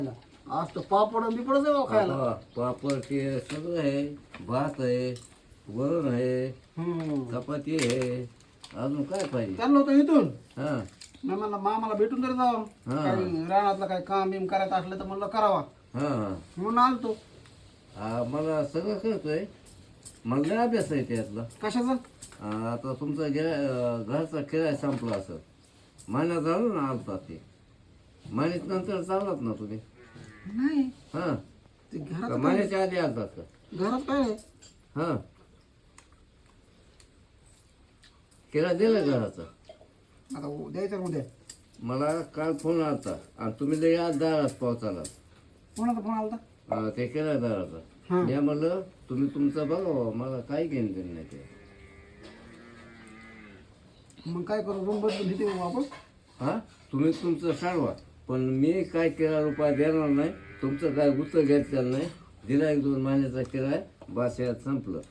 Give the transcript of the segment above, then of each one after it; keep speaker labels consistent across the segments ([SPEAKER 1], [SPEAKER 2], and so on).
[SPEAKER 1] आज तर पापड आणि बिपडच आहे बा खायला.
[SPEAKER 2] पापड ते सगळं आहे, भात आहे, वरण आहे, चपाती आहे, अजून काय पाहिजे.
[SPEAKER 1] चाललो होतो इथून
[SPEAKER 2] हा
[SPEAKER 1] मी म्हणलं मामाला भेटून तरी जावं. काही रानातलं काही काम बिम करायचं असलं तर म्हणलं करावा
[SPEAKER 2] हा हा
[SPEAKER 1] म्हणून आलतो.
[SPEAKER 2] मला सगळं कळतंय. मला लय अभ्यास आहे त्यातला.
[SPEAKER 1] कशाचं?
[SPEAKER 2] आता तुमचा घरचा किराया संपला असं महिना झाला ना आलता ते. महिन्यात नंतर चाललात ना तुम्ही?
[SPEAKER 1] नाही
[SPEAKER 2] हा
[SPEAKER 1] ते घरात
[SPEAKER 2] महिन्याच्या आधी आलतात का?
[SPEAKER 1] घरात काय आहे?
[SPEAKER 2] हा किराया दिला घराचा.
[SPEAKER 1] आता द्यायचं का उद्या?
[SPEAKER 2] मला काल फोन आलता आणि तुम्ही लय आज दारात पोहोचाला.
[SPEAKER 1] कोणाचा फोन आलता?
[SPEAKER 2] ते किरायदाराचा. मी म्हणलं तुम्ही तुमचं बघा, मला काही घेणं देणं नाही ते.
[SPEAKER 1] मग काय करू, रूम बदलून इथे येऊ वापस?
[SPEAKER 2] हा तुम्ही तुमचं ठरवा, पण मी काय किराया रुपये देणार नाही. तुमचं काय गुत्त घेतलेलं नाही. दिला 1-2 महिन्याचा किराया, बस यात संपलं.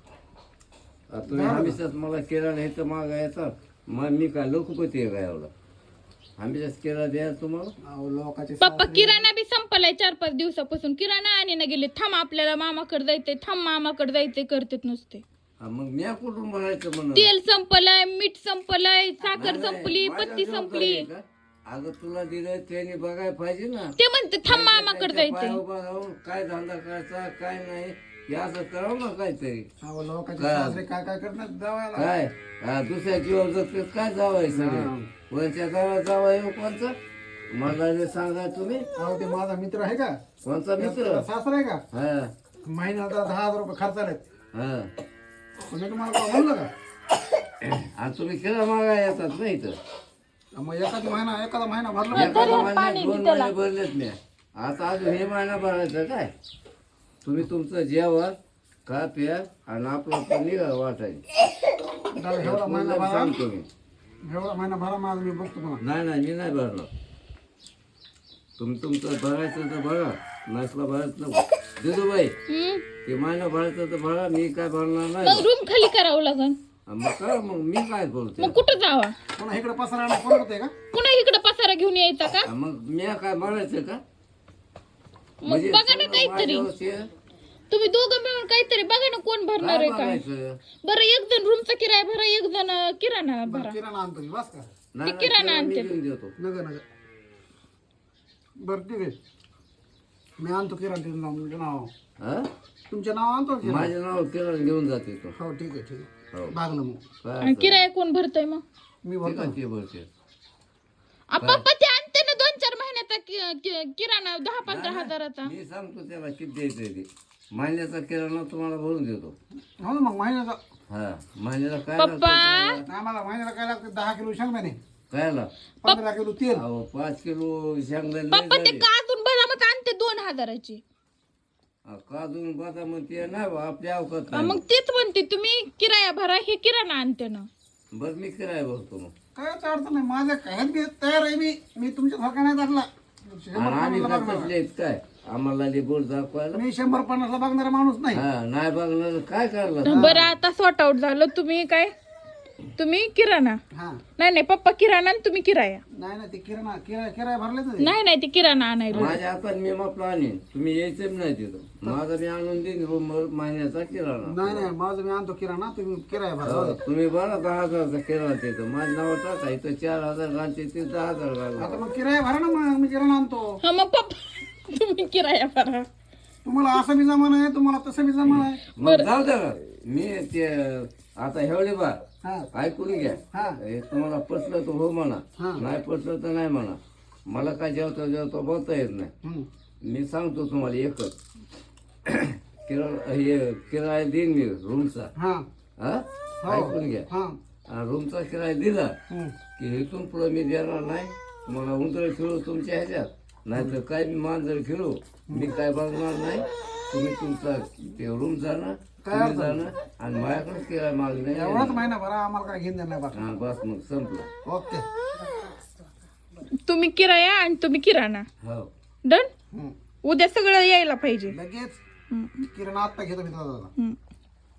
[SPEAKER 2] आता तुम्ही हमेशाच मला किराया नाही तर मागा येतात. मग मी काय लोकपती आहे का एवढा? हमेशाच किराया द्या तुम्हाला.
[SPEAKER 1] लोकांचे
[SPEAKER 3] पप्पा किराणा बी संपलाय 4-5 दिवसापासून. किराणा आणि ना गेले. थांब आपल्याला मामाकडे जायचंय, थांब मामाकडे जायचंय करतात नुसते.
[SPEAKER 2] मग मी कुठून म्हणायचं म्हणून?
[SPEAKER 3] तेल संपलंय, मीठ संपलंय, साखर संपली, पत्ती संपली.
[SPEAKER 2] अगं तुला दिलं त्याने बघायला पाहिजे ना.
[SPEAKER 3] ते म्हणते थांब मामाकडे जायचंय.
[SPEAKER 2] उभा राहून काय धंदा करायचा काय नाही हे असं करावं ना काहीतरी.
[SPEAKER 1] लोकांचे सासरे काय काय करणार जावायला.
[SPEAKER 2] काय दुसऱ्या जीवावर जगते काय जावाय सगळे. कोणत्या गावात जावाय कोणचा मला सांगा तुम्ही.
[SPEAKER 1] अहो ते माझा मित्र आहे का?
[SPEAKER 2] कोणचा मित्र?
[SPEAKER 1] सासरा आहे का?
[SPEAKER 2] हा
[SPEAKER 1] महिन्याला 10,000 रुपये खर्च आलेत.
[SPEAKER 2] हा
[SPEAKER 1] मी तुम्हाला काय म्हणलं का?
[SPEAKER 2] आणि तुम्ही किरा मागा येतात नाही तर.
[SPEAKER 1] मग एखादा महिना भरला.
[SPEAKER 2] एखादा महिन्यात 2 महिने भरलेत मी. आता अजून हे महिना भरायचं काय? तुम्ही तुमचं जेवण का प्या आणि आपलं निघा वाटायला.
[SPEAKER 1] एवढा महिना भरा,
[SPEAKER 2] सांगतो मी.
[SPEAKER 1] एवढा महिना भरा माझं मी बघतो मला.
[SPEAKER 2] नाही मी नाही भरणार. तुम्ही तुमचं भरायचं तर भरा, नसला भरायचं नको. दिदूबाई ते महिना भरायचं तर भरा, मी काय भरणार नाही.
[SPEAKER 3] मग रूम खाली करावं लागल.
[SPEAKER 2] मग करा, मग मी काय करतो.
[SPEAKER 3] मग कुठं जावा?
[SPEAKER 1] पुन्हा इकडे पसारा कोण होते का?
[SPEAKER 3] पुन्हा इकडे पसारा घेऊन यायचा का?
[SPEAKER 2] मग मी काय भरायचं का?
[SPEAKER 3] मग बघा ना काहीतरी. तुम्ही दोघं मिळून काहीतरी बघा ना, कोण भरणार आहे काय? बरं एक जण रूमचा किराया भरा, एक जण किराणा भरा.
[SPEAKER 1] किराणा आणतो मी बस का?
[SPEAKER 3] ते किराणा आणते.
[SPEAKER 1] नगर बरं ठीक आहे, मी आणतो किराणा. तुमचं नाव तुमच्या नाव आणतो.
[SPEAKER 2] माझ्या नाव किराणा घेऊन जाते तो.
[SPEAKER 1] हो ठीक आहे भागलं मग.
[SPEAKER 3] आणि किराया कोण भरतोय मग?
[SPEAKER 1] मी भरतो.
[SPEAKER 3] पप्पा ते आणते ना 2-4 महिन्याचा किराणा 10-15 हजाराचा.
[SPEAKER 2] मी सांगतो त्याला किती द्यायचं ते. महिन्याचा किराणा तुम्हाला भरून देतो.
[SPEAKER 1] हो ना, मग महिन्याचा.
[SPEAKER 2] हा महिन्याला काय
[SPEAKER 3] पप्पा
[SPEAKER 1] आम्हाला महिन्याला काय लागतं? 10 किलो शेंगदाणे,
[SPEAKER 2] कायला
[SPEAKER 1] 15 किलो तेल.
[SPEAKER 2] 5 किलो शेंगदाणे
[SPEAKER 3] पप्पा ते काजून बदामच आणते 2 हजाराची.
[SPEAKER 2] काजून बदाम ते नाही बा, आपल्या अवकात नाही.
[SPEAKER 3] मग तेच म्हणते तुम्ही किराया भरा, हे किराणा आणते ना.
[SPEAKER 2] बरं मी किराया भरतो मग.
[SPEAKER 1] काय अडचण नाही, माझ्या काय मी तयार आहे. मी तुमच्या सारखा नाही दाखला.
[SPEAKER 2] आणि आम्ही काय कसले आहेत काय? आम्हाला बोट दाखवायला.
[SPEAKER 1] मी 100-50 बघणारा माणूस नाही.
[SPEAKER 2] हा नाही बघणार काय करणार.
[SPEAKER 3] बरं आता सॉर्ट आउट झालं. तुम्ही किराणा.
[SPEAKER 1] हा
[SPEAKER 3] नाही पप्पा किराणा आणि तुम्ही किराया.
[SPEAKER 1] नाही ते किराया भरले तर
[SPEAKER 3] नाही ते किराणा आणायला.
[SPEAKER 2] माझ्या हातात मी आपलं आणीन, तुम्ही यायचं नाही तिथं. माझा मी आणून देईन रूम महिन्याचा किराणा.
[SPEAKER 1] नाही माझं मी आणतो किराणा, तुम्ही किराया भरा.
[SPEAKER 2] तुम्ही बरा 10,000चा किराणा देतो. माझं नाव टाका इथं 4,000 घालते ते 10,000 घाल.
[SPEAKER 1] आता मग किराया भरा ना, मग मी किराणा आणतो.
[SPEAKER 3] हा मग पप्पा तुम्ही किराया भरा.
[SPEAKER 1] तुम्हाला असं बी जमान आहे, तुम्हाला तसं बी जमान आहे.
[SPEAKER 2] मग जाऊ द्या ना. मी ते आता हेवढे बा
[SPEAKER 1] हा
[SPEAKER 2] ऐकून घ्या.
[SPEAKER 1] हा
[SPEAKER 2] हे तुम्हाला पटलं तर हो म्हणा, नाही पटलं तर नाही म्हणा. मला काय जेवता बोलता येत नाही. मी सांगतो तुम्हाला एकच किराया देईन मी रूमचा. ऐकून घ्या. रूमचा किराया दिला की इथून पुढे मी देणार नाही. तुम्हाला उंदर खेळू तुमच्या ह्याच्यात, नाहीतर काय मी मांजर खेळू. मी काय बघणार नाही. तुम्ही तुमचा ते रूम जाणं जाणं आणि माझ्याकडे किराया मागणे.
[SPEAKER 1] एवढाच महिना भरा, आम्हाला काय घेऊन देणार.
[SPEAKER 2] हा बस मग संपलं.
[SPEAKER 1] ओके
[SPEAKER 3] तुम्ही किराया आणि तुम्ही किराणा.
[SPEAKER 2] हो
[SPEAKER 3] डन. उद्या सगळं यायला पाहिजे
[SPEAKER 1] लगेच. किराणा आत्ता घेतो मी दादा.